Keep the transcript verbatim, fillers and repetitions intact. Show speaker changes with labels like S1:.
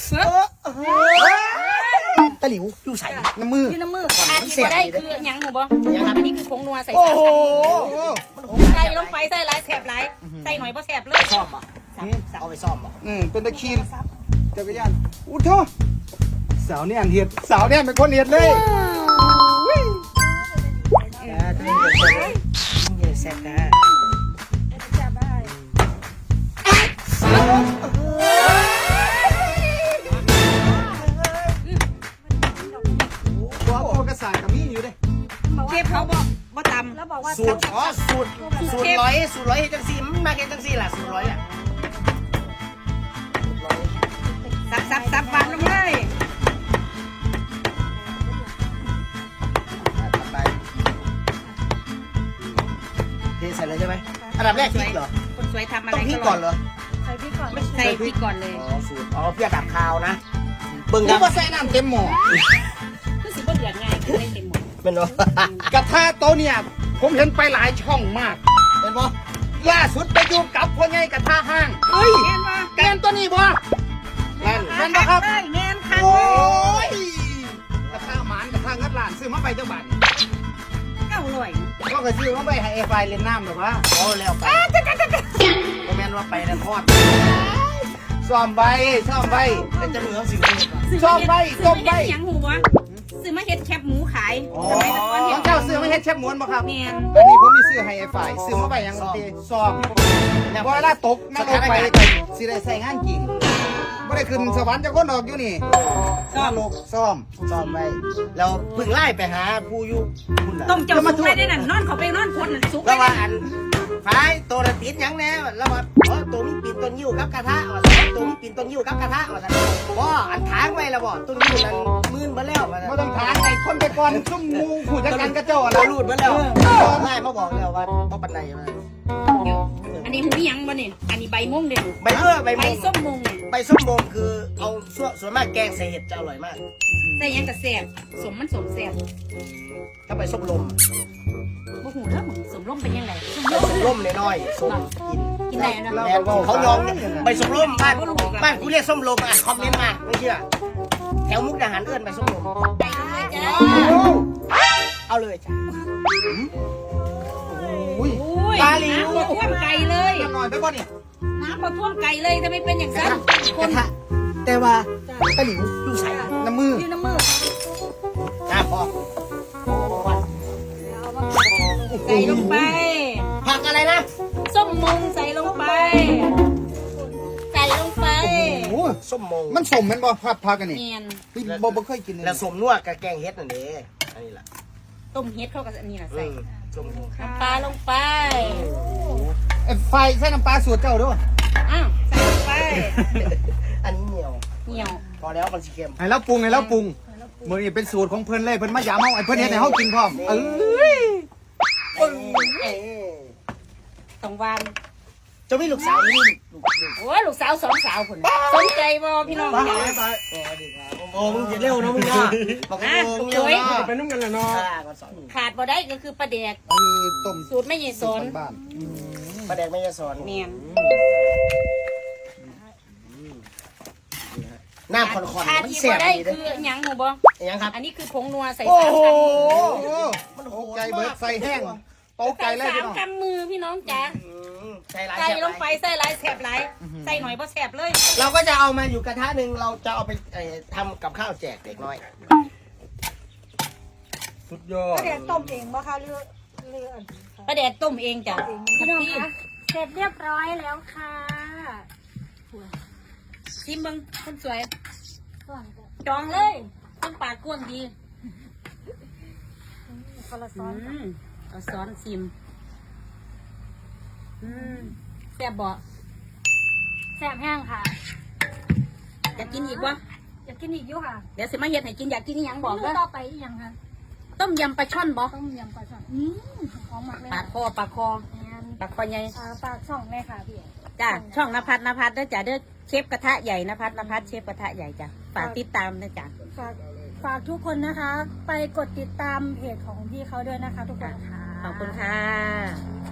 S1: ตะหลิวอยู่ใส่น้ำมือ
S2: อยู่น้ำมืออันที่ได้คือยังหนูบ่อันนี้คือผงนัวใส่
S1: โอ้โห
S2: ใส่ลงไปใส่หลายแสบหลายใส่หน่อยบ่แสบเลย
S1: ซ่อมอ่ะเอาไปซ่อมอ่ะอืมเป็นตะคีนจักรยานอู้โธ่สาวเนี่ยเห็ดสาวเนี่ยเป็นคนเห็ดเลยแซ่บนะว่าโอกระสายกับมีอยู่เลย
S2: เชฟเขาบอกบ่ตำแล้วบอกว่า
S1: สูตรอ๋อสูตรสูตรร้อยสูตรร้อยเฮ็ดจังซี่มันมาเฮ็ดจังซี่ล่ะสูตรร้อยอ่ะ
S2: สับสับสับวางลงเลย
S1: ไปเทใส่เลยใช่ไหมอันดับแรกพริกเหรอ
S2: คนสวยทำอะไร
S1: ต้องพริกก่อนเหรอ
S2: ใส่พริกก่อนใส่พริกก่อนเลย
S1: อ๋อสูตรอ๋อเพื่อดับคาวนะเบิ่งครับว่าใส่น้ำเต็มหม้อ
S2: คือสิบ่เดือดง่ายคือได้เต็มหมด
S1: เป็นบ่กระทะโตเนี่ยผมเห็นไปหลายช่องมากเป็นบ่ล่าสุดไปอยู่กับพ่อใหญ่กระทะห้างเฮ้ย
S2: แม่นว่า
S1: แกนตัวนี้บ่นั่นแม่นบ่ครับ
S2: แม่นค่ะ
S1: โอ้ยกระทะหมานกระทะงัดหลานซื้อมาไปจังบาท
S2: เก้าร้อย
S1: ก็เคยซื้อมาไปให้ไอ้ไฟเล่นน้ำหรอวะโอ้แล้วไปก็แม่นว่าไปนั่นทอดซ่อมใบซ่อมใบเป็นจะเหมือนสิ่งนี้ซ่อมใบต้มใบ
S2: ยังหูวะซื้อมาเฮ็ดแคบหมูขาย
S1: อ๋อ
S2: สมัยตะก่อน
S1: ของเจ้าซื้อมาเฮ็ดแชบม้วนบ่ครับ
S2: แม่น
S1: อันนี้ผมมีซื้อให้ไอ้ฝ่ายซื้อมาไปยังตีซ่อมบ่เวลาตกนั่งลงไปสิได้ใส่งานจริงบ่ได้ขึ้นสวรรค์จะคนออกอยู่นี่ซ่อมซ่อมซ่อมไว้แล้วเพิ่งไล่ไปหาผู้อยู่คุณน่ะ
S2: ต้มเจ้าสุกไปได้นั่นนอนเขาไปนอนคนนั่นสุก
S1: แล้วว่าอันฝ่ายตัวละติดหยังแน่แล้วว่าอ๋อตัวมีปีนต้นยิ้วกับกระทะว่าซั่นตัวมีปีนต้นยิ้วกับกระทะว่าซั่นบ่อันทางไว้แล้วบ่ต้นยิ้วนั้นมื่นบ่แล้วว่าซั่นบ่ต้องทางไอ้คนไปก่อนซุ่มงูผู้จัดการกระเจ้าน่ะรูดบ่แล้วไล่มาบอกแล้วว่าบ่ปานใดว่า
S2: อันนี้หูยังบ่นี่อันนี้ใบม่วงเด้อ
S1: ใบเมื่อใบ
S2: ใบ
S1: ม่วง
S2: ส้มม่วงเนี่ย
S1: ใบส้มโมงคือเอาส่วนส่วนมากแกงใส่เห็ดจะอร่อยมาก
S2: ใส่ยังกระแสบสมมันสมแสบ
S1: ถ้าใบส้มลม
S2: บ่หูเด้อสมร่มเป็นยังไง
S1: ใบส้มลมน้อยๆส้มกิน
S2: กินได้นะ
S1: แมนเขายอมใบส้มลมบ้านบ้านกูเรียกส้มลมอ่ะคอมเมนต์มาไม่เชื่อแถวมุกดาหารเอื้อนใบส้มลม
S2: ไปเลยจ้า
S1: เอาเลยจ้ะโอ้ย
S2: อุ้ย
S1: ปลาหลิว
S2: น้ำท่วมไก่เลย
S1: หน่อยไปก่อนนี่
S2: น้ำท่วมไก่เลยทำไมเป็นอย่างนั้น
S1: กระทะแต่ว่าปลาหลิวอยู่ใส่น้ำมือ
S2: อยู่น้ำมือ
S1: จ้าพอ
S2: ใส่ลงไป
S1: ผักอะไรนะ
S2: ส้มมุงใส่ลงไป ใส่ลงไป
S1: โอ้ส้มโมงมันสมมันบ่ผักผักกันนี่
S2: เนียน
S1: พี่บ่บ่เคยกินเลยแล้วสมนัวกับแกงเฮ็ดนั่นเด้อันนี้ล่ะ
S2: ต้มเฮ็ดเข้ากับอันนี้นะ
S1: อื
S2: ใส่
S1: มส้มโมง
S2: น้ำปลาลงไป
S1: ไอ้ไฟใส่น้ำปลาสูตรเจ้าด้วย
S2: อ้าวใส่ลงไป
S1: อันนี้เหนียว
S2: เหนียว
S1: พอแล้วมันสิเค็มให้เราปรุงให้เราปรุงมื้อนี้เป็นสูตรของเพิ่นเลยเพิ่นมายามเฮาไอ้เพิ่นเฮ็ดให้เฮากินพร้อมเอ้ยปึ้งเอ้ย
S2: ต้องวาง
S1: เจ้ามีลูกสาวนี่ลูกลูก
S2: โอ้ยลูกสาวสองสาวคนสนใจบ่พี่น้อง
S1: ไป
S2: จ๋า
S1: ไปสวัสดีครับโอ้มึงจะเร็วนะมึงอ่ะบอกให้มึงเร็วนะเป็นนุ่มกันแหละเนาะ
S2: ขาดบ่ได้ก็คือปลาแดก
S1: เออต้ม
S2: สูตรไม่ใหญ่สน
S1: บ้านปลาแดกไม่ยสอน
S2: เนียน
S1: น้ำคอนๆ
S2: ขาด
S1: มัน
S2: ที่
S1: แซ่
S2: บ่
S1: บ
S2: ได้
S1: ดีเด้
S2: คือหยังหนูบ่
S1: ยังครับ
S2: อันนี้คือผงนัวใส่
S1: โอ้
S2: สาม
S1: โห
S2: คำ
S1: มันโหใจเบิดใส่แห้งตกใจ
S2: ใส่
S1: เลย
S2: สา
S1: พี่
S2: ม
S1: น้อง
S2: คำมือพี่น้องจ๋า
S1: ใส่หลาย
S2: ใส่
S1: แซ่บ
S2: ลงไปใส่หลายแสบหลายใส่หน่อยบ่แสบเลย
S1: เราก็จะเอามาอยู่กระทะหนึ่งเราจะเอาไปทำกับข้าวแจกเด็กน้อยสุดยอด
S3: ก็เดี๋ยวต้มเองบ่คะเรือเรือ
S2: ปลาแดกต้มเองจ้ะ
S3: พี่น้องคะเสร็จเรียบร้อยแล้วค่ะ
S2: ชิมเบิ่งคนสวย
S3: ก่อนจะ
S2: จองเลยต้นปากกว้างดี
S3: คนละ
S2: อื
S3: ซ้อน
S2: มเอาซ้อนชิมอืมแซ่บบ่
S3: แซ่บแห้งค่ะ
S2: อยากกินอีกวะ
S3: อยากกินอีกอยู่ค่ะ
S2: เดี๋ยวสิมาเฮ็ดให้กินอยากกินอีหยังบอก
S3: เม
S2: เด้
S3: นู
S2: อ
S3: ต่อไปอีกอย่างค่ะ
S2: ต้มยำปลาช่อนบ่
S3: ต้มยำปลาช่อนอืมหอมมากเลย
S2: ปลา
S3: ค่ะ
S2: คอปลาคอ
S3: แอน
S2: ปลาคอใหญ่
S3: อ่าปลาช่องเลยค่ะพี่
S2: จ้ะช่องนภัสนภัสเด้อจ้ะเด้อเชฟกระทะใหญ่นภัสนภัสเชฟกระทะใหญ่จ้ะฝากติดตามนะจ้ะ
S3: ฝากฝากทุกคนนะคะ ไปกดติดตามเพจของพี่เขาด้วยนะคะ ทุกคนค่ะ
S2: ขอบคุณค่ะ